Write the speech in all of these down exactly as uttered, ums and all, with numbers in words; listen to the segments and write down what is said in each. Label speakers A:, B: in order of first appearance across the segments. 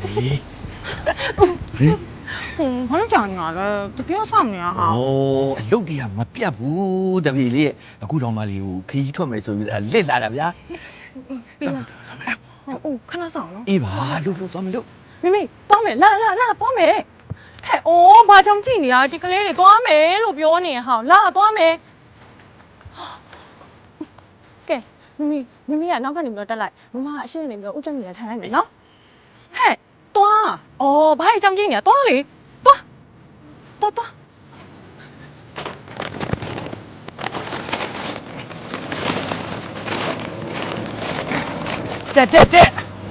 A: ဘာလို့ကြောင်နေရလဲတကယ်ဆောက်နေရဟာ
B: โอ้လုတ်တရားမပြတ်ဘူးတပည့်လေးအခုတော့မှလေးကိုခရီးထွက်မယ်ဆိုပြီးလစ်လာတာဗျာ
A: ပြီးလားဟုတ်ခဏဆောင်နော်
B: အေးပါလုတ်လုတ်သွားမလို့
A: မိမိသွားမယ်လာလာလာသွားမယ်ဟဲ့အိုးဘာကြောင့်ကြည့်နေရဒီကလေးတွေသွားမယ်လို့ပြောနေဟာလာသွားမယ်ကဲမိမိမိမိကနောက်ကနေပြီးတော့တက်လိုက်မမကအရှင်းနေပြီးတော့ဥကျက်နေထိုင်လိုက်မယ်နော်ဟဲ့သွားအော်ဘာကြောင့်ကြည့်နေရသွားလေသွားသွားသွား
B: တက်တက်တက်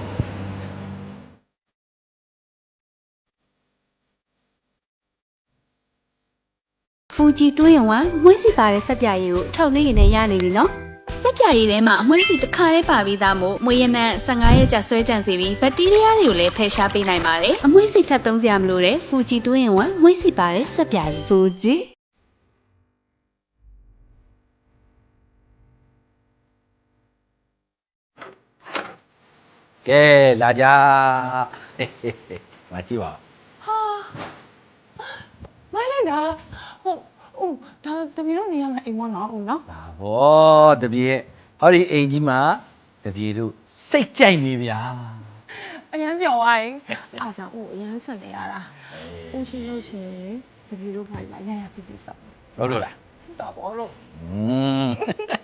C: ဖူဂျီတွင်းရုံကမွှေးစီပါတဲ့ဆက်ပြရည်ကိုအထောက်လေးရည်နဲ့ရနေပြီနော်ဆက်ပြရည်ထဲမှာအမွှေးစီတစ်ခါတည်းပါပြီးသားမို့မွေးရနံ၁၅ရက်ကြာဆွဲကြံစီပြီးဘက်တီးရီးယားတွေကိုလည်းဖယ်ရှားပေးနိုင်ပါတယ်အမွှေးစီထပ်သုံးစရာမလိုတဲ့ဖူဂျီတွင်းရုံကမွှေးစီပါတဲ့ဆက်ပြရည်ဖူဂျီ
B: ကဲလာကြဟေးဟေးဟေးမကြည့်ပါ
A: ဟာမိုင်းလိုက်တာဟုတ်ဟုတ်ဒါတပီတော့နေရမယ်အိမ်မနော်ဟုတ်နော်
B: ဒါဗောတပည့်ရဲ့ဟောဒီအိမ်ကြီးမှာတပည့်တို့စိတ်ကြိုက်နေဗျာ
A: အရန်ပြော်သွားရင်အားကြောင့်ဦးအရန်ဆက်နေရတာဦးရှိလို့ရှိရင်တပီတော့ဖိုင်လာရရပြပြစောက်
B: ဟုတ်လို့လား
A: တာဘောလို့
B: อืม